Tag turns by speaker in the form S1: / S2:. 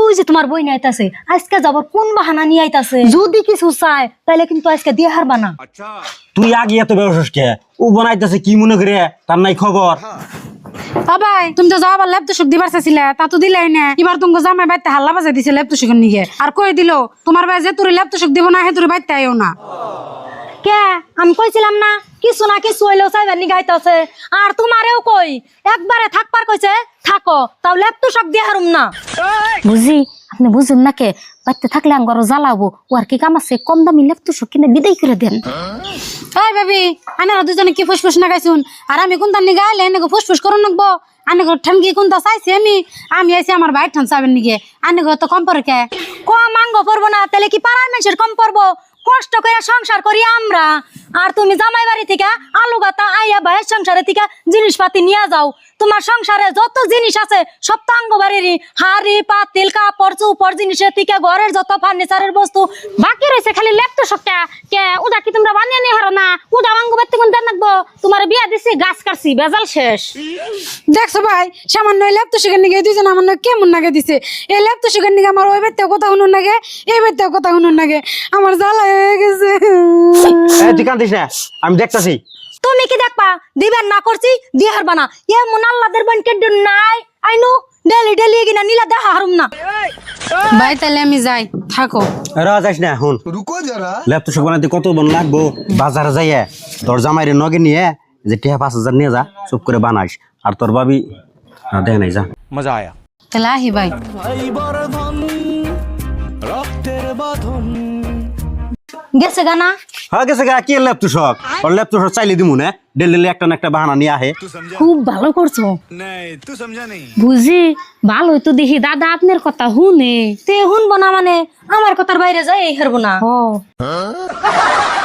S1: ওই যে তোমার বই নিয়ে আইতাছে, আজকে যাবার কোন বাহানা নিয়ে আইতাছে, যদি কিছু চায় তাহলে কিন্তু আজকে দিয়ে হারবা না।
S2: তুই আগে এত ব্যবসাস কে? ও বানাইতেছে কি মনে করে, তার নাই খবর?
S3: ভাই তুমি তো যাও আবার ল্যাপ তুষক দিবার চাইছিলে, তা তো দিলাই না। এবার তোমাকে জামাই বাইতে হাল্লা বাজাই দিছে ল্যাপ তুষকের নিয়ে, আর কই দিল তোমার ভাই যে তোর ল্যাপ তুষক দিব না, হে তোর বাইতে আইও না।
S1: কে আমি কইছিলাম না কিছু না কিছু হইলেও চাইবার নি গাইতাছে। আর তোমারেও কই একবারে থাকবার কইছে থাকো, তাও লেপ তো সব দিয়ে হারুম না। বুঝি আপনি বুঝুন না কে, বাইতে থাকলে আঙ্গরও জ্বালাবো। ও আর কি কাম আছে, কম দামি লেপ তো সব কিনে বিদায় করে দেন।
S3: এই বেবি আনারা দুজনে কি ফুসফুস না গাইছুন, আর আমি কোনটা নি গাইলে এনে ফুসফুস করুন নাকবো। আনে ঠানকি কোনটা চাইছি আমি আইছি আমার ভাই ঠান চাবেন নিগে, আনে তো কম পরে কে?
S1: কম আঙ্গ পড়বো না তাহলে কি পাড়ার মানুষের কম পড়বো? কষ্ট করে সংসার করি আমরা, আর তুমি জামাই বাড়ি থেকে আলু গাতা আইয়া ভাইয়ের সংসারে থেকে জিনিসপাতি নিয়ে যাও। তোমার সংসারে যত জিনিস আছে সব তো আঙ্গ বাড়িরই, হাড়ি পাতিল কাপড় চুপড় জিনিসের থেকে ঘরের যত ফার্নিচারের বস্তু বাকি রয়েছে খালি ল্যাপটপ সবটা। কে ওটা কি তোমরা বানিয়ে নিয়ে হারো না? ওটা আঙ্গ বাড়িতে কোন দেন রাখবো? তোমার বিয়া দিছি গাছ কাটছি বেজাল শেষ।
S3: দেখছো ভাই সামান্য ল্যাপ তুষকের নিগে দুইজন আমার কেমন নাগে দিছে। এই ল্যাপ তুষকের নিগে আমার ওই বাড়িতেও কথা শুনুন নাগে, এই বাড়িতেও কথা শুনুন নাগে, আমার জ্বালা হয়ে গেছে।
S2: তুই কান্দিস না, আমি দেখতাছি।
S1: তুমি কি দেখবা দিবেন না করছি দিয়ে হারবা না? এমন আল্লাহদের বনকে নাই আইনু ডেলি ডেলি কিনা নীলা দেখা হারুম না।
S3: ভাই তাহলে আমি যাই, থাকো।
S2: যাইস না এখন, ল্যাপটপ সব বানাইতে কত বন লাগবো। বাজারে যাইয়া তোর জামাইরে নগে নিয়ে যে টিহা 5,000 নিয়ে যা, চুপ করে বানাইস। আর তোর ভাবি দেখ নাই যা।
S4: मजा आया।
S3: তাহলে আহি ভাই।
S1: গেছে গানা
S2: হ্যাঁ গেছে গা, কি ল্যাপটপ শখ? ওর ল্যাপটপ চাইলে দিমু না, ডেলি একটা না একটা বাহানা নিয়ে আহে।
S1: খুব ভালো করছো।
S4: नहीं तू समझा नहीं।
S1: বুঝি ভালো তো দেখি দাদা আপনার কথা শুনে, তে শুনবো না মানে আমার কথার বাইরে যাই হারবো না।